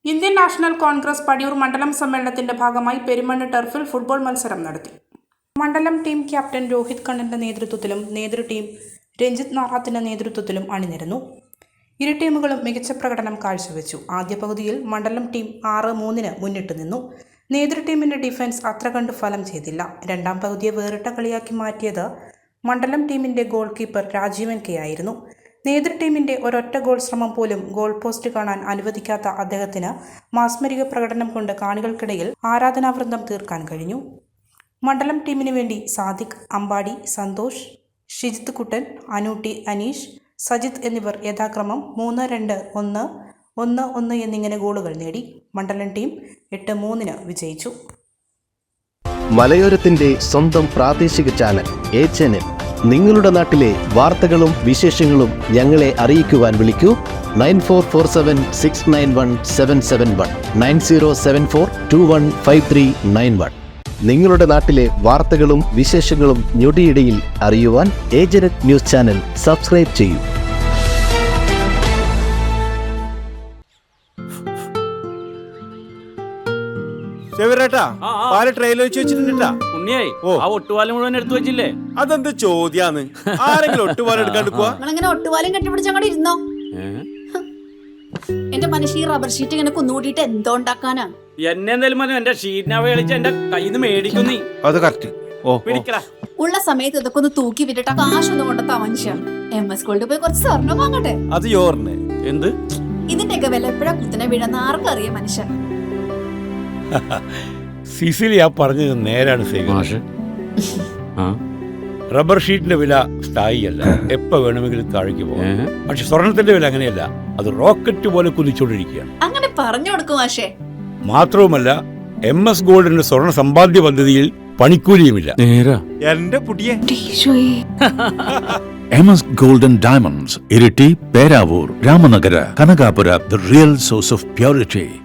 Indian national Congress Padiyoor മണ്ഡലം സമ്മേളനത്തിന്റെ ഭാഗമായി പെരുമണ്ണ് ടർഫിൽ ഫുട്ബോൾ മത്സരം നടത്തി. മണ്ഡലം ടീം ക്യാപ്റ്റൻ രോഹിത് കണ്ണന്റെ നേതൃത്വത്തിലും നേതൃ ടീം രഞ്ജിത്ത് നാറാത്തിന്റെ നേതൃത്വത്തിലും അണിനിരന്നു. ഇരു ടീമുകളും മികച്ച പ്രകടനം കാഴ്ചവെച്ചു. ആദ്യ പകുതിയിൽ മണ്ഡലം ടീം 6-3 മുന്നിട്ട് നിന്നു. നേതൃ ടീമിന്റെ ഡിഫൻസ് അത്ര കണ്ട് ഫലം ചെയ്തില്ല. രണ്ടാം പകുതിയെ വേറിട്ട കളിയാക്കി മാറ്റിയത് മണ്ഡലം ടീമിന്റെ ഗോൾ കീപ്പർ രാജീവൻ കെ ആയിരുന്നു. നേതൃ ടീമിന്റെ ഒരൊറ്റ ഗോൾ ശ്രമം പോലും ഗോൾ പോസ്റ്റ് കാണാൻ അനുവദിക്കാത്ത അദ്ദേഹത്തിന് മാസ്മരിക പ്രകടനം കൊണ്ട് കാണികൾക്കിടയിൽ ആരാധനാവൃന്ദം തീർക്കാൻ കഴിഞ്ഞു. മണ്ഡലം ടീമിന് വേണ്ടി സാദിഖ്, അമ്പാടി, സന്തോഷ്, ഷിജിത്ത് കുട്ടൻ, അനൂട്ടി, അനീഷ്, സജിത്ത് എന്നിവർ യഥാക്രമം 3-2, 1-1 എന്നിങ്ങനെ ഗോളുകൾ നേടി. മണ്ഡലം ടീം 8-3 വിജയിച്ചു. മലയോരത്തിന്റെ സ്വന്തം പ്രാദേശിക ചാനൽ എ ചാനൽ. നിങ്ങളുടെ നാട്ടിലെ വാർത്തകളും വിശേഷങ്ങളും ഞങ്ങളെ അറിയിക്കുവാൻ വിളിക്കൂ 9447691771 9074215391. നിങ്ങളുടെ നാട്ടിലെ വാർത്തകളും വിശേഷങ്ങളും ഞൊടിയിടയിൽ അറിയുവാൻ ഏജനറ്റ് ന്യൂസ് ചാനൽ സബ്സ്ക്രൈബ് ചെയ്യൂ. മുഴുവൻ എടുത്തു വെച്ചില്ലേ? അതെന്ത് ചോദ്യാന്ന്? ആരെങ്കിലും ഒട്ടുപാലം എടുക്കാണ്ട് പോവാ? ഒട്ടുപാലം കെട്ടിപ്പിടിച്ച് അങ്ങോട്ട് ഇരുന്നോ. എന്റെ മനുഷ്യ ഈ റബ്ബർ ഷീറ്റ് ഇങ്ങനെ കുന്നുകൂട്ടിട്ട് എന്തോ ഉണ്ടാക്കാനാ? എന്നെ എന്തായാലും മതി. എന്റെ ഷീറ്റിനെ കളിച്ച് എന്റെ കയ്യിൽ നിന്ന് മേടിക്കുന്നീ. അത് കറക്റ്റ്. ഉള്ള സമയത്ത് ഇതൊക്കെ ഒന്ന് തൂക്കി വിട്ടിട്ട് കാശൊന്നും കൊണ്ടെത്താ മനുഷ്യ. MS ഗോൾഡ് പോയി കുറച്ച് സ്വർണ്ണം വാങ്ങട്ടെ. അത് യോറിന് എന്ത്? ഇതിന്റെയൊക്കെ വില എപ്പോഴാ കുത്തിനെ വീഴുന്ന ആർക്കറിയാം മനുഷ്യ. സിസിലി ആ പറഞ്ഞത് നേരാണ്. റബ്ബർ ഷീറ്റിന്റെ വില സ്ഥായിയല്ല, എപ്പോ വേണമെങ്കിലും താഴേക്ക് പോകാം. പക്ഷെ സ്വർണത്തിന്റെ വില അങ്ങനെയല്ല, അത് റോക്കറ്റ് പോലെ കുതിച്ചുകൊണ്ടിരിക്കുകയാണ്. അങ്ങനെ പറഞ്ഞു കൊടുക്കും മാഷേ. മാത്രവുമല്ല MS ഗോൾഡിന്റെ സ്വർണ്ണ സമ്പാദ്യ പദ്ധതിയിൽ പണിക്കൂലിയുമില്ല. എന്റെ പുതിയ MS Gold and Diamonds, Iriti, Peravur, Ramanagara, Kanagapura, the real source of purity.